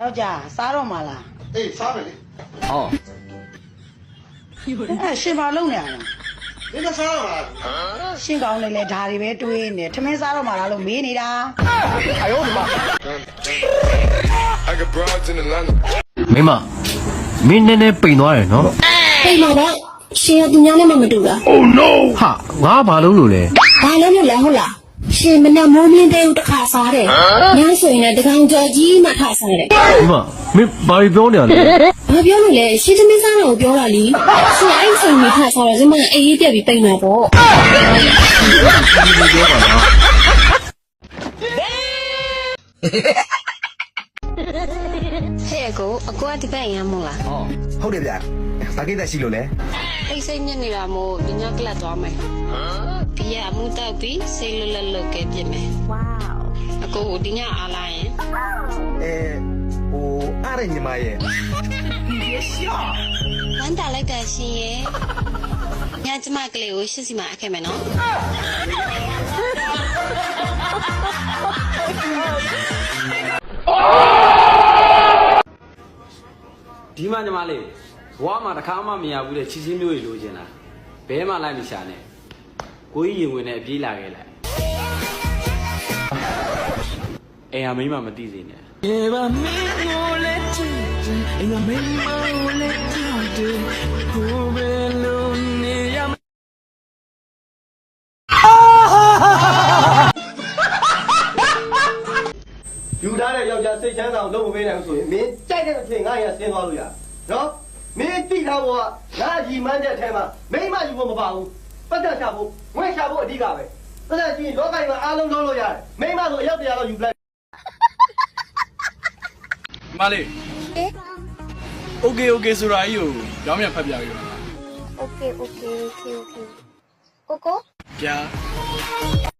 ယောက်ျားစားတော့မှာလားအေးစားမယ်လေဟောရှင်ဘာလုပ်နေရလဲဒီကစားရမှာရှင်ကောင်းနေလေဒါတွေပဲတွေးနေထမင်းစားတော့မှာလားလို့မေးနေတာအယောဒီမှာမိမမင်းနဲ့ပိန်သွားတယ်နော်ပိန်တော့ရှင်ကသူများနဲ့မတူတာ Oh no ဟာငါဘာလုပ်လို့လဲဘာလို့လဲဟုတ်လားရှင်မနဲ့မိုးမင်းတဲ့တစ်ခါစားတယ်ညဆိုရင်လည်းတကောင်ကြော်ကြီးမှထစားတယ်ဒီမှာမင်းဘာပြောနေရလဲဘာပြောလို့လဲရှင်သမီးစားတော့ပြောတာလीရှင်အဲ့ချိန်မှာထစားတော့ဒီမှာအေးပြက်ပြီးပိန်တာပေါ့ဟဲ့ကိုအကွာဒီဘက်ရမ်းမို့လားဟုတ်တယ်ဗျာဘာကိစ္စရှိလို့လဲအိတ်စိတ်ညစ်နေတာမို့ဒီညကလတ်သွားမယ်ဒီရအမှုတောက်ပြီးစိတ်လွတ်လပ်လွတ်ကဲပြစ်မယ်ဝေါအကိုဒီညအားလာရင်ဟိုအားရညီမရဲ့ဝမ်းတာလိုက်တာရှင်ရဲ့ညကျမကလေးကိုရှစ်စီမှာအခဲ့မယ်နော်ဒီမှာညီမလေးဘွားမှာတစ်ခါမှမရဘူးတဲ့ချီချင်းမျိုးတွေလိုချင်တာဘဲမှလိုက်မရှာနဲ့ကိုကြီးရင်ဝင်နဲ့အပြေးလာခဲ့လိုက်အိမ်ဟာမိမမသိစေနဲ့ယူထားတဲ့ယောက်ျားစိတ်ချမ်းသာအောင်လုပ်မပေးနိုင်ဘူးဆိုရင်မင်းကြိုက်တဲ့အချိန်ငါ့ရဆင်းသွားလို့ရနော်မင်းသိထားဖို့ကငါရီမှန်းတဲ့အထဲမှာမိမယူဖို့မပါဘူးပတ်သက်ချဖို့ငွေချဖို့အဓိကပဲပတ်သက်ချင်းလောကကြီးမှာအားလုံးလုပ်လို့ရတယ်မိမဆိုအယောက်100လောက်ယူပလိုက်မလေးโอเคဆိုတာကြီးကိုကြောင်းမြန်ဖတ်ပြရအောင်โอเคကိုကိုပြ